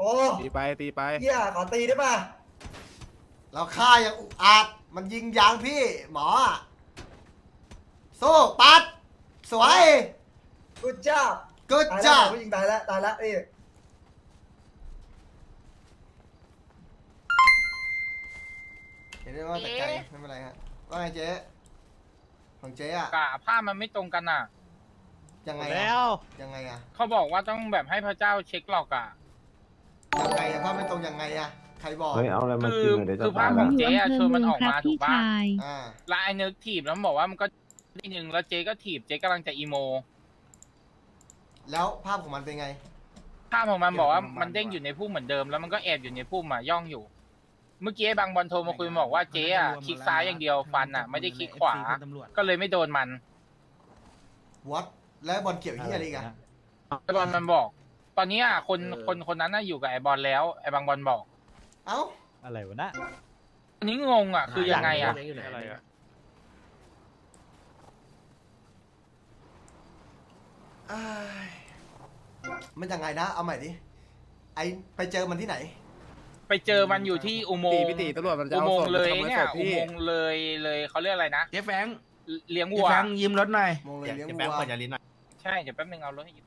อ้ตีไปตีไปเฮียขอตีได้ป่ะเราฆ่าอย่างอุกอาจมันยิงยางพี่หมอสู้ปัดสวยกูจ้ากูตายแล้วจ้าผู้หญิงตายแล้วนี่เห็นได้ว่าแต่ไกลไม่เป็นไรฮะว่าไงเจ๊ของเจ๊อะกะผ้ามันไม่ตรงกันอ่ะยังไงแล้วยังไงอะเขาบอกว่าต้องแบบให้พระเจ้าเช็คหลอกอ่ะยังไงอะภาพไม่ตรงยังไงอะใครบอกเฮ้ยเอาอะไรมาคืกิอนหน่อยเดี๋ยวคืจะอภาตาพยของละเจ๊อะชวนมันออกมาถูกปะอ่าแล้วไอ้เนิร์กถีบแล้วมันบอกว่ามันก็นิดนึงแล้วเจ๊ก็ถีบเจ๊กำลังจะอีโมแล้วภาพของมันเป็นไงภาพของมันบอกว่ามันเด้งอยู่ในพุ่มเหมือนเดิมแล้วมันก็แอบอยู่ในพุ่มอ่ะย่องอยู่ เมื่อกี้บางบอลโทรมาคุยบอกว่าเจ๊อ่ะคลิกซ้ายอย่างเดียวฟันอ่ะไม่ได้คลิกขวา ก็เลยไม่โดนมันวัดแล้วบอลเกี่ยวที่อะไรอีกันไอ้บอลมันบอก ตอนนี้อ่ะคนนั้นน่ะอยู่กับไอ้บอลแล้วไอ้บางบอลบอกเอ้าอะไรวะนะอันนี้งงอ่ะคือยังไงอ่ะอะไรอะอ้ายมันยังไงนะเอาใหม่ดิไอไปเจอมันที่ไหนไปเจอมันอยู่ที่อุโมตีงค์พี่ตีตำรวจมันจะอุเอาโมงศพค์เลยขโมเนี่ยศพอุพี่โมงค์เลยเขาเรียกอะไรนะเจ๊แฟงเลี้ยงเจ๊วัวแฟงยิ้มรถหน่อยมองเลยเลี้ยงเจ๊วัแฟงวเปิดยาลิ้นหน่อยใช่เดี๋ยวแป๊บนึงเอารถให้ยืม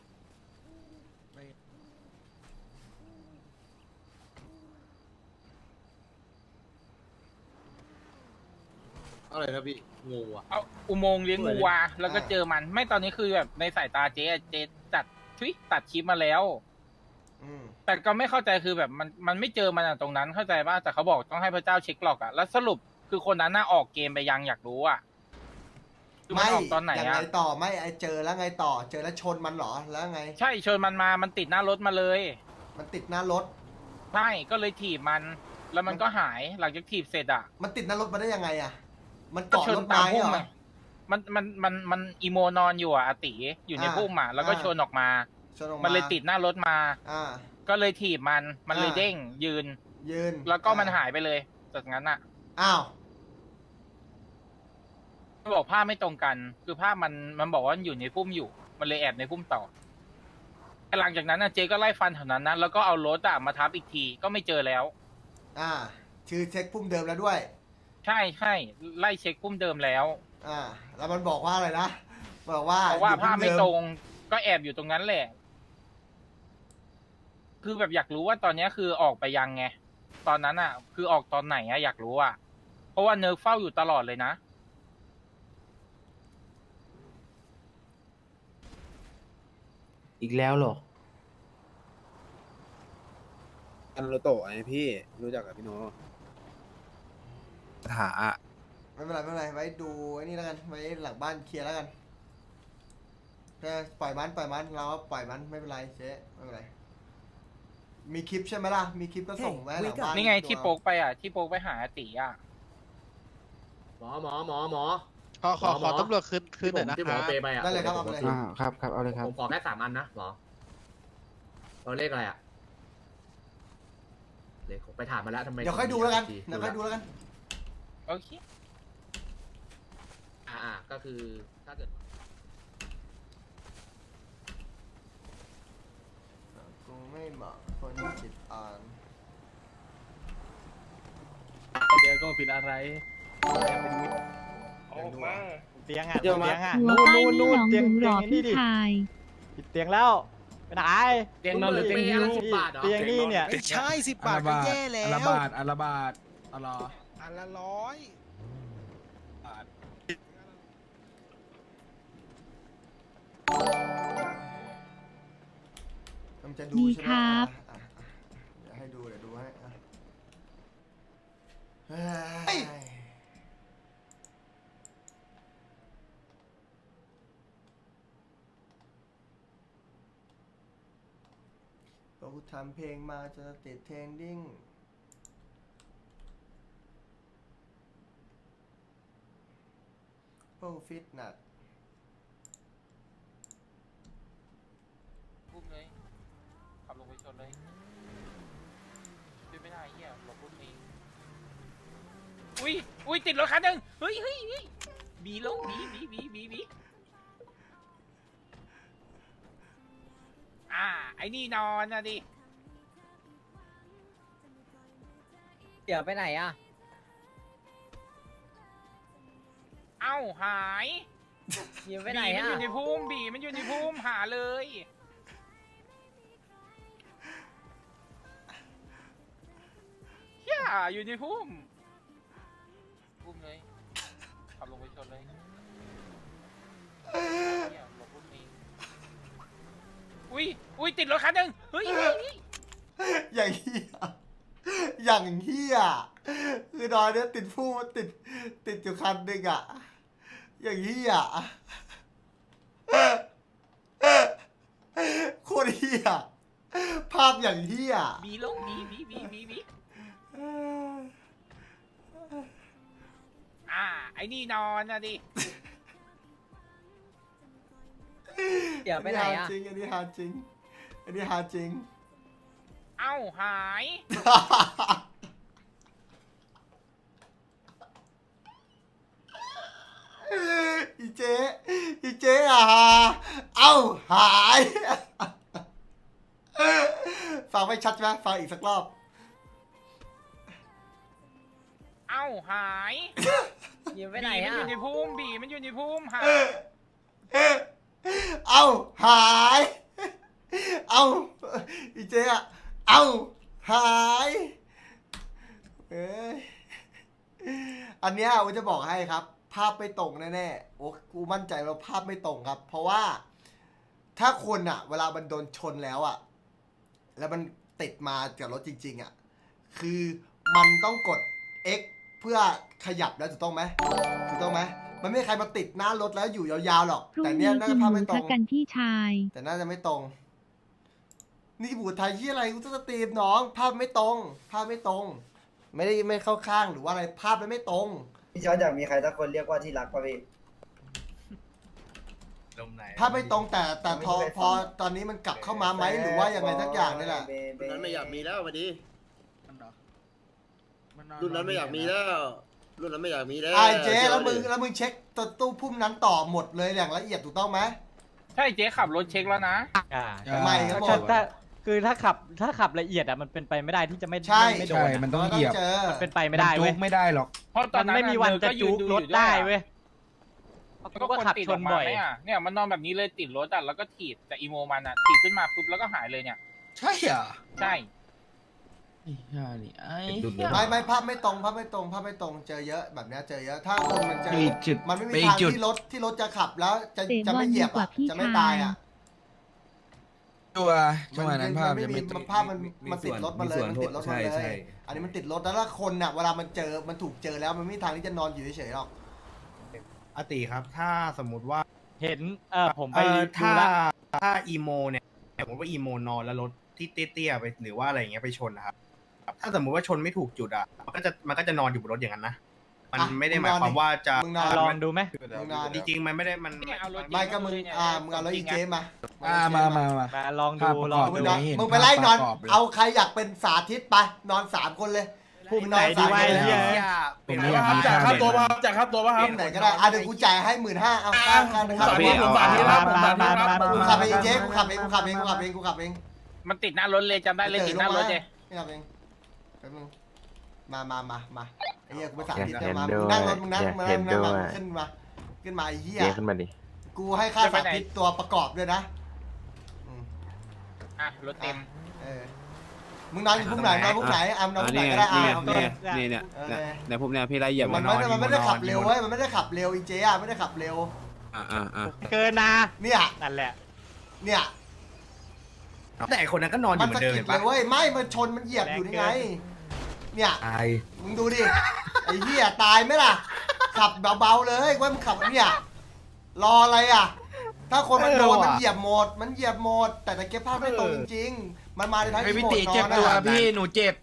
อะไรนะพี่งูอ่ะเอาอุโมงค์เลี้ยงวัวแล้วก็เจอมันไม่ตอนนี้คือแบบในสายตาเจ๊อะเจ๊จัดตัดคลิปมาแล้วอืมแต่ก็ไม่เข้าใจคือแบบมันไม่เจอมันอะตรงนั้นเข้าใจป่ะแต่เขาบอกต้องให้พระเจ้าเช็คหลอกอะแล้วสรุปคือคนนั้นน่าออกเกมไปยังอยากรู้อะคือมันไม่ออกตอนไหนยังอะไงต่อไม่ไอเจอแล้วไงต่อเจอแล้วชนมันเหรอแล้วไงใช่เชิญมันมามันติดหน้ารถมาเลยมันติดหน้ารถใช่ก็เลยถีบมัน แล้วมันก็หายหลังจากถีบเสร็จอะมันติดหน้ารถมาได้ยังไงอะมันก็เกาะชนรถตามไม้พุ่เหมรออะมันอีโมนอนอยู่อะอาติอยู่ในพุ่มอะแล้วก็ชนออกมาชนออกมันเลยติดหน้ารถมาอ่าก็เลยถีบมันเลยเด้งยืนยืนแล้วก็มันหายไปเลยจากนั้นอะอ้าวมันบอกภาพไม่ตรงกัน คือภาพมันบอกว่ามันอยู่ในพุ่มอยู่ มันเลยแอบในพุ่มต่อแต่หลังจากนั้นนะเจก็ไล่ฟันแถวนั้นนะแล้วก็เอารถอะมาทับอีกทีก็ไม่เจอแล้วอ่าชื่อเช็คพุ่มเดิมแล้วด้วยใช่ไล่เช็คพุ่มเดิมแล้วอ่าแล้วมันบอกว่าอะไรนะบอกว่าเพราะว่าอยู่ภาพพุ่ไม่เดิตรงก็แอบอยู่ตรงนั้นแหละ คือแบบอยากรู้ว่าตอนนี้คือออกไปยังไงตอนนั้นอะคือออกตอนไหนอะอยากรู้อะเพราะว่าเนิร์ฟเฝ้าอยู่ตลอดเลยนะอีกแล้วเหรออันโรโตะไงพี่รู้จักกับพี่โนถาอะไม่เป็นไรไม่เป็นไรไว้ดูไอ้นี่แล้วกันไว้หลังบ้านเคลียร์แล้วกันแค่ปล่อยมันเราก็ปล่อยมันไม่เป็นไรเจ๊ไม่เป็นไรมีคลิปใช่ไหมล่ะมีคลิปก็ส่งไว้หลังบ้านนี่ไงที่โป๊กไปอะที่โป๊กไปหาอาติอะหมอขอตำรวจคืนหน่อยนะที่คหมอรับเปไปอ่ะได้เลยครับเอาไปเลยครับเอาเลยครับผมขอแค่3 อันนะหมอเราเลขอะไรอ่ะเลขไปถามมาแล้วทำไมเดี๋ยวค่อยดูแล้วกันเดี๋ยวค่อยดูแล้วกันโอเคก็คือถ้าเกิดกูไม่เหมาะคนจิตอ่อนเดี๋ยวก็ผิดอะไรออกมาเตียงอ่ะเดี๋ยวมาเตียงอ่ะหัวป้ายที่หนองบุ๋มหล่อพี่ชายผิดเตียงแล้วไปไหนเตียงนอนหรือเตียงฮิ้ว10 บาทเหรอเตียงนี่เนี่ยไม่ใช่10 บาทก็แย่แล้วอัลบาทอัลลออันละร้อยมันจะดูดีใช่ไหมครับเดี๋ยวให้ดูเดี๋ยวดูให้อ่ะเฮ้ยก็กูทำเพลงมาจะติดเทรนดิ้งพวกฟิตนัสพุ่มเลยขับลงไปชนเลยช่วยไม่ได้เฮียหลบพุ่มเองอุ้ยติดรถคันหนึ่งเฮ้ยบีลงบีไอ้นี่นอนนะดิเดี๋ยวไปไหนอ่ะเอ้าหายเดี๋ยวไปไหนบีมันอ่ะอยู่ในพุ่มบีมันอยู่ในพุ่มหาเลยเฮียอยู่ในพุ่มเลยขับลงไปชนเลยเหี้ยหลบพุ่มนี้อุ้ยติดรถคันหนึ่งเฮ้ยอย่างเฮียอย่างเฮียคือตอนเนี้ยติดผู้ติดอยู่คันหนึ่งอ่ะอย่างเฮียโคตรเฮียภาพอย่างเฮียบีลงบีไอ้นี่นอนนะดิเดี๋ยวไปไหนอ่ะจริงอันนี้หาจริงอันนี้หาจริงเอ้าหายอีเจ๊อ่ะเอ้าหายฟังไม่ชัดใช่ไหมฟังอีกสักรอบเอ้าหายเดี๋ยวไปไหนบีมันอ่ะอยู่ในพุ่มบีมันอยู่ในพุ่มหาเอ้าหายเอ้าอีเจ๊อ่ะเอ้าหายเอ้ยอันเนี้ยผมจะบอกให้ครับ ภาพไม่ตรงแน่ๆโอ้กูมั่นใจว่าภาพไม่ตรงครับ เพราะว่าถ้าคนอ่ะ เวลามันโดนชนแล้วอ่ะแล้วมันติดมากับรถจริงๆอ่ะคือมันต้องกด X เพื่อขยับแล้วถูกต้องไหมมันไม่มีใครมาติดหน้ารถแล้วอยู่ยาวๆหรอกพรุ่งแต่เนี้นี้ยน่ากิจะนหภาพมูไม่ตรทะงกันพี่ชายแต่น่าจะไม่ตรงนี่บูไทยที่อะไรกูจะสตรีมน้องภาพไม่ตรงไม่เข้าข้างหรือว่าอะไรภาพมันไม่ตรงพี่ชอตอยากมีใครสักคนเรียกว่าที่รักป่ะพี่ภาพไม่ตรงแต่พอตอนนี้มันกลับเข้ามาไหมหรือว่ายังไงสักอย่างนี่แหละรุ่นนั้นไม่อยากมีแล้วมาดิรุ่นนั้นไม่อยากมีแล้วรุ่นนั้นไม่อยากมีแล้วไอ้เจ๊แล้วมึงเช็คตัวตู้พุ่มนั้นต่อหมดเลยอย่างละเอียดถูกต้องไหมใช่เจ๊ขับรถเช็คแล้วนะไม่ครับผมถ้าคือถ้าขับละเอียดอ่ะมันเป็นไปไม่ได้ที่จะไม่ใช่ไม่โดนอะมันต้องเหยียบเจอมันเป็นไปไม่ได้เว้ยไม่ได้หรอกเพราะตอมัน นนั้นไม่มีวันจะจุกรถได้เว้ยก็ก็คนขับติดชออน กมาบ่อยไหมอ่ะเนี่ยมันนอนแบบนี้เลยติดรถอ่ะแล้วก็ถีบแต่อีโมมันอ่ะถีบขึ้นมาปุ๊บแล้วก็หายเลยเนี่ยใช่เหรอใช่ไอ้ห่านี่ไอ้ไม่ภาพไม่ตรงเจอเยอะแบบเนี้ยเจอเยอะถ้าคนมันเจอจุดมันไม่มีไปทางจุดที่รถจะขับแล้วจะเตะจะบอไม่ลเหยีดียบกว่าอ่ะพี่จะไม่ชาตายยอ่ะจังหวะนั้นภาพไม่จะมีไม่ตรงภาพมันติดรถมาเลยมันติดรถมาเลย อันนี้มันติดรถแล้วคนน่ะเวลามันถูกเจอแล้วมันไม่มีทางที่จะนอนอยู่เฉยๆหรอกอติครับ ถ้าสมมติว่าเห็นผมไปดูถ้าละถ้าอีโมเนี่ยสมมติว่าอีโมนอนแล้วรถที่เตี้ยๆไปหรือว่าอะไรอย่างเงี้ยไปชนนะครับ ถ้าสมมติว่าชนไม่ถูกจุดอ่ะมันก็จะนอนอยู่บนรถอย่างนั้นนะ มันไม่ได้หมายความว่าจะมึงนอนลองดูไหมมึงนอนจริงๆมันไม่ได้มันเนี่ยเอารถไม่ก็มึงมึงเอารถอีเจมามามาลองดูภาพประลกออง บดูมึงนอนเห็นมึงไปไล่นอนภาพประกอบเลยเอาใครอยากเป็นสาธิตไปนอน3 คนเลยพุ่มไหนดีวะไอ้เหี้ยผมไม่อยากมีจ่ายภาพค่าตัวเด่นมาจ่ายค่าตัวมาครับไหนก็ได้เดี๋ยวกูจ่ายให้15,000เอาค่านะครับพี่ผมฝากที่รับผมฝากที่รับกูขับเองเจ๊กูขับเองมันติดหน้ารถเลยจำได้เลยติดหน้ารถเลยไม่ขับเองแป๊บนึงมาไอ้เหี้ยกูไปสาธิตมามึงนั่งรถมึงนั่งขึ้นมาไอ้เหี้ยขึ้นมาดิกูให้ค่าสาธิตตัวประกอบด้วยนะอ่ะรถเต็มมึงนอนอยู่พุ่มไหนนอนพุ่มไหนนอนพุ่มไหนก็ได้โอเคในพวกเนี้ยพี่ไล่เหยียบมันไม่ได้ขับเร็วเว้ยมันไม่ได้ขับเร็วอีเจ๊ไม่ได้ขับเร็วเกินนะเนี่ยนั่นแหละเนี่ยแต่คนนั้นก็นอนอมันยู่เหมืสะอนเดิมกิเห็ดนเลปะยเว้ยไม่มันชนมันเหยียบอยู่นี่ไงเนี่ยตายมึงดูดิไอ้เหี้ยตายไหมล่ะขับเบาๆเลยว่ามึงขับเนี่ยรออะไรอ่ะถ้าคนมันโดนมันเหยียบหมดแต่ตะเก็บภาพไม่ตรงจริงๆมันมาในทางไอ้ที่พี่โหมติดนเจ็บอนตัวนะพี่หนูเจ็บ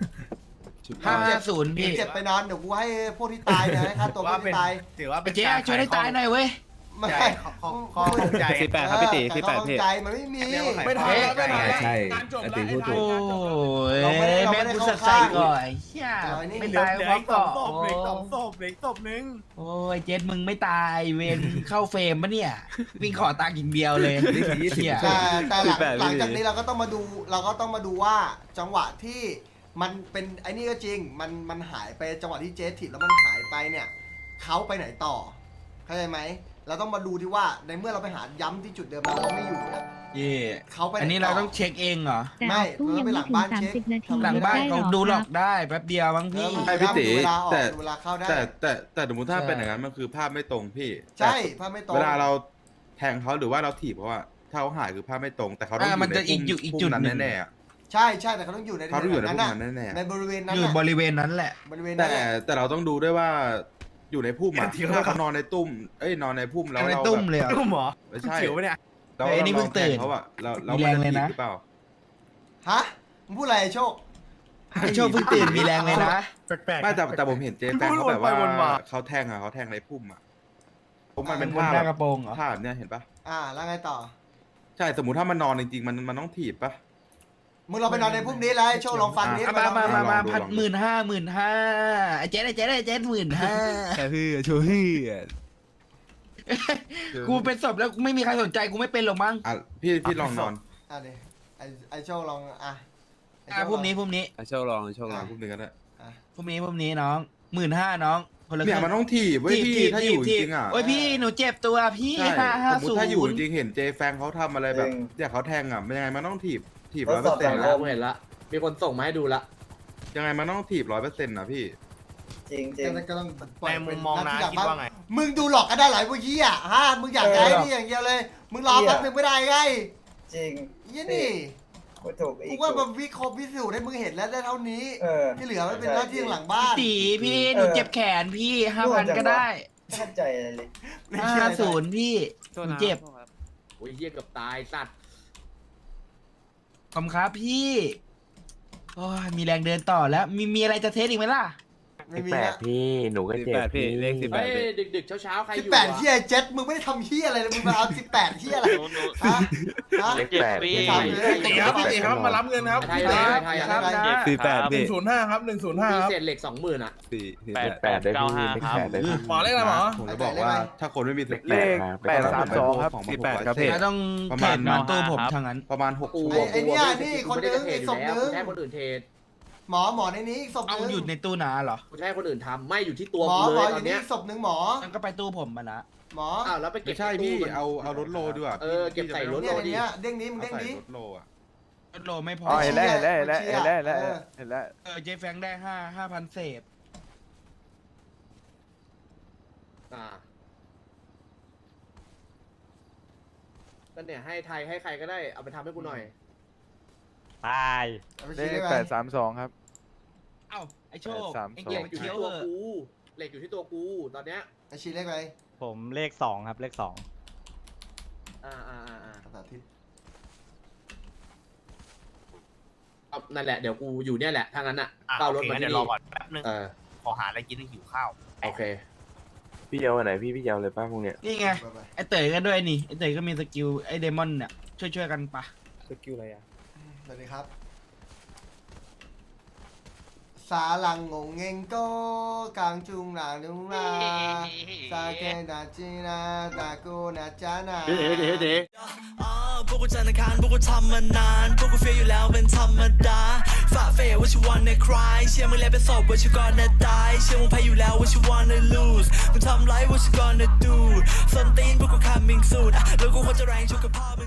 50พี่เจ็บไปนอนเดี๋ยวกูให้พวกที่ตายเนี่ยให้ค่าตัวพวกที่ตายถือว่าเป็นเจ๊ช่วยได้ตายหน่อยเว้ยไม่ข้อใจ 48ครับพี่ติแต่เขาเข้าใจมันไม่มีไม่ทันแล้วไม่ทันแล้วใช่การจบไอ้แล้วติพูดถูกโอ้เราไม่ได้แม่งกูเข้าสักใส่ข้างก่อนไอ้เหี้ยไม่ไม่ตาตาย ยเพราะเกาะเหลือ2 ศพเหลืออีกศพนึงโอ้ยเจ็ดมึงไม่ตายเวนเข้าเฟรมปะเนี่ยวิ่งขอตังค์อย่างเดียวเลยเหี้ยแต่หลังจากนี้เราก็ต้องมาดูว่าจังหวะที่มันเป็นไอ้นี่ก็จริงมันหายไปจังหวะที่เจ๊ถีบแล้วมันหายไปเนี่ยเขาไปไหนต่อเข้าใจไหมเราต้องมาดูที่ว่าในเมื่อเราไปหาย้ำที่จุดเดิมแล้วเราไม่อยู่เนี่ยเย่เขาไปไหนต่อันนี้เราต้องเช็คเองเหรอแต่ไม่ออกตู้ยังไม่ถึง30 นาทีหลังบ้านเขาได้ดูหหลรอกได้แป๊บเดียวมั้งพี่เออไอ้พี่ติดูเวลาออกแต่ดูเวลาเข้าได้แต่สมมติถ้าเป็นอย่างนั้นมันคือภาพไม่ตรงพี่ใช่ภาพไม่ตรงเวลาเราแทงเขาหรือว่าเราถีบเขาอะถ้าเขาหายคือภาพไม่ตรง แต่เขาต้องมันจะอีกจุดพุ่มจุดนั้นหนึ่งแน่ๆอะใช่ใช่แต่เขาต้องอยู่ในเขาต้องอยู่ในนั้นพุ่มน่ะนั้นแน่ๆในบริเวณนั้นอยู่น่ะบริเวณนั้นแหละบริเวณแต่นั้นแหละแต่เราต้องดูด้วยว่าอยู่ในพุ่มอะถ้าเขานอนในตุ้มนอนในพุ่มแล้วในเราตุ้มแบบเลยเหรอตุ้มเหรอไม่ใช่เขียวปะเนี่ยเราเฮ้ยนี่เพิ่งตื่นเขาอะเรามีแรงเลยนะหรือเปล่าฮะมึงพูดอะไรไอ้โชคไอ้โชคเพิ่งตื่นมีแรงเลยนะแปลกๆไม่แต่ผมเห็นเจ๊แฟนเขาแบบวนไปวนมาว่าเขาแทงในพุ่มอะผมมันเป็นบนภาพหน้ากระโปรงเหรอภาพแบบเนี้ยเห็นปะแล้วไงต่อใช่สมมติถ้ามันนอนจริงๆมันต้องถีบปะมึงลองไปนอนในพุ่มนี้แล้วไอ้โชคลองฟังนี้อ่ะไปนอนมาลองดูพัน15,000ไอ้เจ๊ไอ้เจ๊15,000 แค่พี่ช่วยพี่กูเป็นศพแล้วไม่มีใครสนใจกูไม่เป็นหรอกมั้งอ่ะพี่ลองนอนดิไอ้โชคลองไอ้โชคลองพรุ่งนี้โชคลองโชคลองพุ่มหนึ่งก็ได้พรุ่งนี้น้อง15,000น้องคนละเนี่ยมันต้องถีบเว้ยพี่ถ้าอยู่จริงๆอ่ะโอ้ยพี่หนูเจ็บตัวพี่ใช่สมมติถ้าอยู่จ 550 ริงๆเห็นเจแฟงเขาทำอะไรแบบอย่างเขาแทงอ่ะมันยังไงมันต้องถีบทดสอบเห็นแล้แล้ว วเห็นละมีคนส่งมาให้ดูละยังไงมันต้องถีบ100%นะพี่จริงก็ต้องปล่ในอยมุเป็นมมองหน้านะที่คิดว่าไงมึงดูหลอกกันได้หลายพวกยี่อ่ะมึงอยากได้นี่อย่างเดียวเลย มึงรอแป๊บนึงไม่ได้ไงจริงยี่นี่กูถูกอีกูกว่ามันวิเคราะห์พิสูจน์ให้มึงเห็นแล้วได้เท่านี้ ที่เหลือมันเป็นหน้าที่หลังบ้านตีพี่หนูเจ็บแขนพี่ 5,000 ก็ได้ไม่เข้าใจอะไรเลย 50พี่หนูเจ็บโอ้ยเหี้ยเกือบตายสัตว์ขอบคุณครับพี่โอ้ยมีแรงเดินต่อแล้วมีอะไรจะเทสอีกไหมล่ะไม่มีนะพี่หนูก็เจ็บพี่เลขเฮ้ยดึกๆเช้าๆใครอยู่ 18เที่ยเจ็ดมึงไม่ได้ทำเที่ยอะไรเลยมึงมาเอา18เที่ยอะไรฮะเลข8พี่ถามเลยตีครับตีครับมารับเงินครับไทยคไทยรับไทยครับ 48พี่ 105ครับ105 มีครับเศษเหล็ก 20,000 อ่ะ 8ได้พี่เลข8ได้พี่หมอเลขอะไรหมอผมจะบอกว่าถ้าคนไม่มีสติเลข832ครับ48ครับพี่แล้วต้องเทรดมันตู้ผมทางนั้นประมาณ6 กูชั่วโมงไอ้เนี่ยนี่คนนึงกูไม่ได้อีกศพนึงกูจะให้คนอื่นเทรดหมอในนี้อีกศพเอานึงอยู่ในตู้นาเหรอกูจะให้คนอื่นทำไม่อยู่ที่ตัวหมอกูหมเลอย อตอยู่ นนี่เนี้ยอีกศพนึงหมอมันก็ไปตู้ผมมาละหมออ้าวแล้วไปเก็บไม่ใช่พี่ตู้เอารถโลดีกว่าเก็บใส่รถเนี่ยในเนี้ยเด้งนี้มึงเอาเด้งใส่นี้รถโลอ่ะรถโลไม่พออ๋อเห็นแล้วเห็นแล้วเห็นแล้วเห็นแล้วเห็นแล้วเจแฟงได้5,000เศษก็เนี่ยให้ไทยให้ใครก็ได้เอาไปทำให้กูหน่อยตายเอาไปเลชี้ขได้ไหม 832ครับเอ้าไอโชค 832 ไอเหเกียล็ร์กอยู่เคี้ที่ยวตัวเออกูเหล็กอยู่ที่ตัวกูตอนเนี้ยไอชี้เลขอะไรผมเลข2ครับเลข2 ภาษาทิศนั่นแหละเดี๋ยวกูอยู่เนี่ยแหละถ้างั้นอ่ะอ่ะเก้ารโอถเคมางั้นที่เดี๋ยวรอนี่ก่อนแป๊บนึง ขอหาอะไรกินหิวข้าวโอเคพี่ยาวไหนพี่ยาวเลยป้าพวกเนี้ยนี่ไงไปไอเต๋อกันด้วยนี่ไอเต๋อก็มีสกิลไอเดมอนเนี่ยช่วยกันปะสกิลอะไรอ่ะสวัสดีครับสาลังงงเงงโกกางจุงหลาดุงลาซาเกดาจินาตาโกนาจานาพวกกูจันทร์อังคารพวกกูทำมานานพวกกูเฟียอยู่แล้วเป็นธรรมดาฝ่าเฟย what you wanna cry เชื่อมึงแล้วเป็นศพ what you gonna die เชื่อมึงแพ้อยู่แล้ว what you wanna lose มึงทำไร what you gonna do ส้นตีนพวกกู coming soon แล้วกูควรจะแรงชุกกับพ่อมึง